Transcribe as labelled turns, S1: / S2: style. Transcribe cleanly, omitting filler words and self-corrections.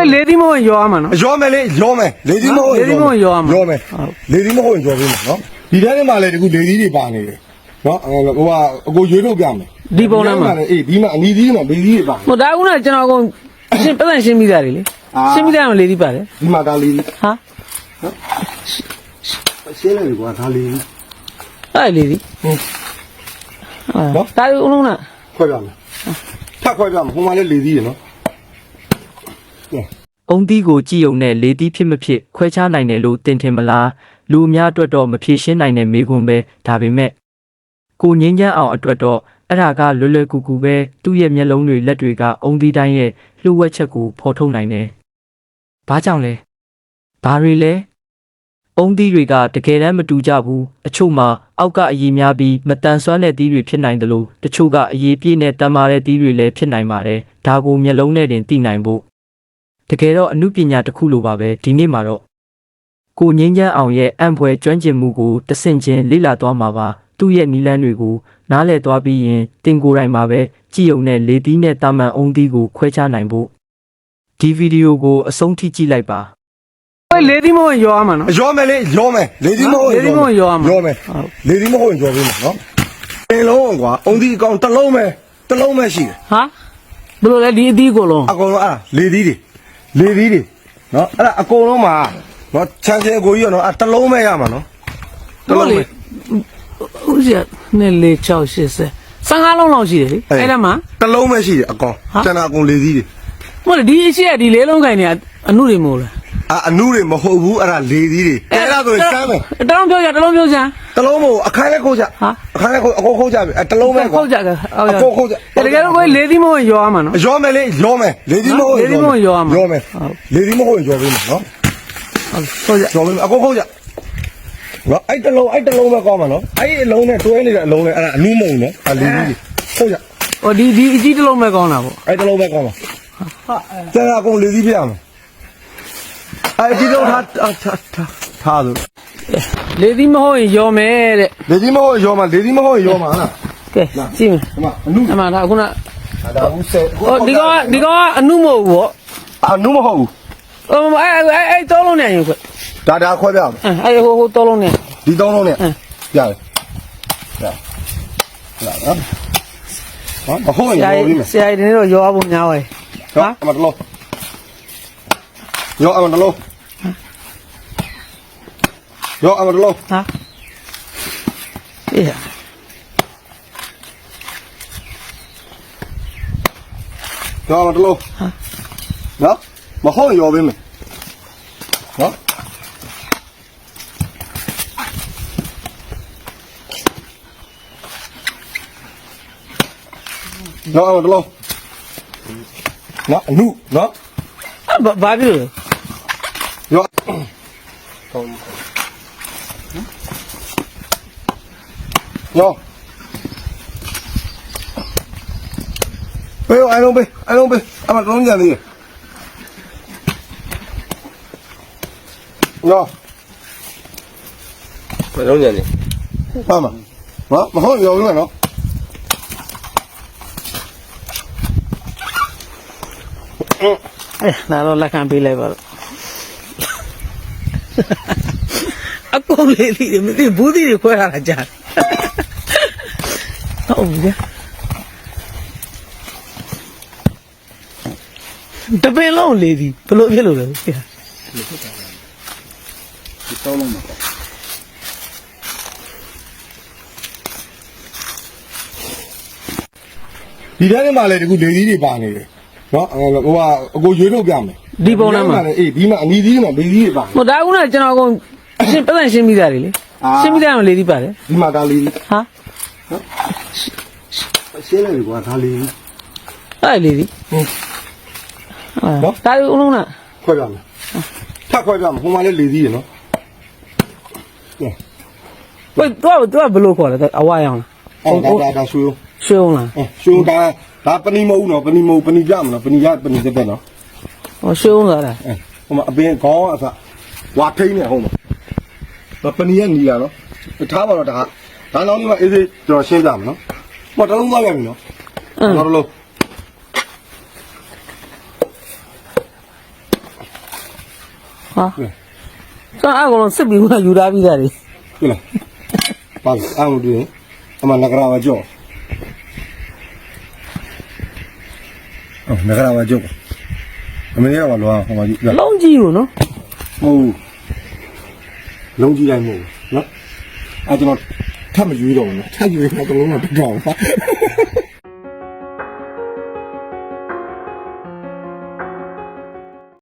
S1: lady mo yo man.
S2: Yo me le, lady mo.
S1: Lady mo yo man.
S2: Yo me. Lady mo yo me, no? Di da ne ma le ku lady de pa ne. No? Ho wa ko yue lo pya me.
S1: Di bon na ma.
S2: Di ma ani di ma lady de pa.
S1: Mo da ku naကျွန်တော်ကုန်ရှင်းပတ်ရှင်းပြီးသားလေရှင်းပြီးသားမ lady ပါတယ်
S2: ဒီမှာဒါ lady
S1: ဟာ
S2: ရှင်းတယ်ကွာဒါ lady
S1: အဲ့ lady ဟုတ်ဒါဦးလုံးလား
S2: ခွဲပြမယ်ထပ်ခွဲပြမယ်ဟိုမှာလည်း lady ရနော်
S3: အုံးသီးကိုကြည်ုံနဲ့လေသီးဖြစ်မဖြစ်ခွဲခြားနိုင်တယ်လို့တင်ထင်မလားလူအများအတွက်တော့မဖြေရှင်းနိုင်တဲ့မေးခွန်းပဲဒါပေမဲ့ကိုငင်းချမ်းအောင်အတွက်တော့အဲ့ဒါကလွယ်လွယ်ကူကူပဲသူ့ရဲ့မျက်လုံးတွေလက်တွေကအုံးသီးတိုင်းရဲ့လှုပ်ဝက်ချက်ကိုဖော်ထုတ်နိုင်တယ်။ဘာကြောင့်လဲ။ဘာတွေလဲ။အုံးသီးတွေကတကယ်တမ်းမတူကြဘူး။အချို့မှာအောက်ကအရည်များပြီးမတန်ဆွမ်းတဲ့သီးတွေဖြစ်နိုင်တယ်လို့တချို့ကအရည်ပြည့်နဲ့တန်မာတဲ့သီးတွေလည်းဖြစ်နိုင်ပါတယ်။ဒါကိုမျက်လုံးနဲ့တင်သိနိုင်ဖို့တကယ်တော့အမှုပညာတစ်ခုလိုပါပဲဒီနေ့မှာတော့ကိုငင်းချမ်းအောင်ရဲ့အံ့ဖွယ်ကျွမ်းကျင်မှုကိုတဆင့်ချင်းလေ့လာသွားမှာပါသူ့ရဲ့နီလန်းတွေကိုနားလည်သွားပြီးရင်တင်ကိုယ်တိုင်မှာပဲကြည်ုံနဲ့လေသီးနဲ့တာမန်အုံးသီးကိုခွဲခြားနိုင်ဖို့ဒီဗီဒီယိုကိုအဆုံးထိကြည့်လိုက်ပါ
S1: lady mo yo man နော်
S2: ရောမယ်လေရောမယ် lady မဟုတ်
S1: lady mo yo man
S2: ရောမယ် lady မဟုတ်ရင်ရောပေးမယ်နော်ပင်လုံးကွာအုံဒီအကောင်တစ်လုံးပဲရှိတယ်
S1: ဟာဘယ်လိုလဲဒီအသီးကိုလုံး
S2: အကောင်လုံးအဲ့ဒါ lady တွေနော်အဲ့ဒါအကောင်လုံးမှာနော်ချမ်းချင်အကိုကြီးရောနော်အဲ့တစ်လုံးပဲရမှာနော်တစ်လုံးပဲ
S1: ဦးစီနဲ့လေ680 15လုံးလောက်ရှိတယ်လေအဲ့ဒါမှ
S2: တစ်လုံးပဲရှိတယ်အကောင်ကျန်တာအကုန် lady တွေ
S1: မဟုတ်ဒီအရှိရဒီလေးလုံးခိုင်နေအနုတွေမဟုတ်လား
S2: အနုတွေမဟုတ်ဘူးအဲ့ဒါ lady တွေအဲ့ဒါဆိုရင်စမ်းမယ်
S1: တလုံးပြောကြတလုံးပြောကြ
S2: တစ်လုံးမဟုတ်အခါလဲခိုးကြအခါလဲခိုးအကုန်ခိုးကြပြီတစ်လုံးပဲကွာ
S1: ဟုတ်ကြက
S2: အကုန်ခိုးကြ
S1: တကယ်တော့ကို lady mo yo man နော်
S2: ရောမယ်လေရောမယ် lady မဟုတ်
S1: lady mo yo man
S2: ရောမယ် lady မဟုတ်ရောပေးမယ်နော်
S1: ဟုတ်ကြ
S2: ရောပေးမယ်အကုန်ခိုးကြနော်အဲ့တစ်လုံးပဲကောင်းမှာနော်အဲ့ဒီအလုံးနဲ့တွဲနေတဲ့အလုံးနဲ့အဲ့ဒါအနုမုံနော်အဲ့ lady တွေခိုးကြ
S1: ဟိုဒီအကြီးတလုံးပဲကောင်းတာပေါ့
S2: အဲ့တစ်လုံးပဲကောင်းမှာကျန်တာအကုန် lady ပြရမယ်အဲ့ဒီတော့ထားလို့
S1: lady မဟုတ်ရင်ရောမယ်တဲ့
S2: lady မဟုတ်ရောမှာ lady မဟုတ်ရောမှာလား
S1: ကဲကြည့်မယ်
S2: ဒီမှာအနု
S1: အမှန်ဒါခုန
S2: ဒါဦးဆယ်
S1: ဟိုဒီကောင်ကအနုမဟုတ်ဘူးပေါ့
S2: အနုမဟုတ်ဘူး
S1: ဟိုအဲ့တောလုံးနဲ့ရင်ခွ
S2: ဒါခွဲပြအောင်
S1: အဲ့ဟိုတောလုံးနဲ့
S2: ဒီသုံးလုံးနဲ့ရတယ်နော်မဟုတ်ရင်ရောပြီးမယ်
S1: ဆရာကြီးတွေတော့ရောဖို့များပါရဲ့
S2: ဟာအမတလို့ရောအမတလို့ရောအမတလို့
S1: ဟာအေး
S2: ရောအမတလို့နော်မဟုတ်ရင်ရောပြီးမယ်နော်ရောအမတလို့နော်အနုနော်
S1: ဘာဖြစ်လို့
S2: ရောရောပေးအိုင်လုံးပေးအမလုံးကြံသေးတယ်ရောမလုံးကြံသေးပါမမဟုတ်ရောဘူးနော်
S1: ဒါတော့လက်ခံပေးလိုက်ပါတော့အကုန်လေးလေးမသိဘူးသီးတွေခွဲထားတာကြားဟုတ်ပြီတပင်လုံးလေးဒီဘလို့ဖြစ်လို့လဲဆရာ
S2: ဒီတော့လုံးမှာဒီထဲမှာလည်းဒီခုလေသီးတွေပါနေတယ်နော်ဟိုကအကိုရွေးထုတ်ပြမယ်
S1: ဒီပုံထဲမှာ
S2: အေးဒီမှာအနီးသီးမှာလေသီးတွေပါ
S1: ဟိုဒါကကျွန်တော်ကုန်ရှင်းပတ်ရှင်းပြီးသားလေရှင်းပြီးသားမ lady ပါတယ်
S2: ဒီမှာဒါလေသီး
S1: ဟာ
S2: ရှင်းလိုက်ပြီကွာဒါလေသီး
S1: အဲ့ lady နော်ဒါဦးလုံးလား
S2: ခွဲပြမယ်ထပ်ခွဲပြမယ်ဟိုမှာလည်းလေသီးရနော်
S1: ဝေးတော့ဘလို့ခေါ်လဲအဝါရောင်
S2: ဒါဆွေး
S1: ရှုံးလား
S2: ဆွေးဒါပဏိမဟုတ်နော်ပဏိမဟုတ်ပဏိပြမနော်ပဏိတက်တက်နော်
S1: ဟောရှုံးလာတာ
S2: ဟိုမှာအပင်ခေါင်းအစဝါထိန်နေဟုတ်မှာပဏိရနီရနော်ထားပါတော့ဒါနောက်ဒီမှာအေးစေးကျွန်တော်ရှင်းပြမယ်နော်ဟောတလုံးသွားပြန်ပြီနော်နောက်တစ်လုံး
S1: ဟာကျွန်တော်အကောင်လုံးစစ်ပြီးမှယူထားပြီးသားလေ
S2: 对了，把俺们的，他妈那个啥叫，哦，那个啥叫，我们也玩乱，我们就，
S1: လုံးကြီးကိုနော်
S2: 哦，龙脊来木，喏，啊，怎么他们遇到呢？他以为那个龙啊不着吗？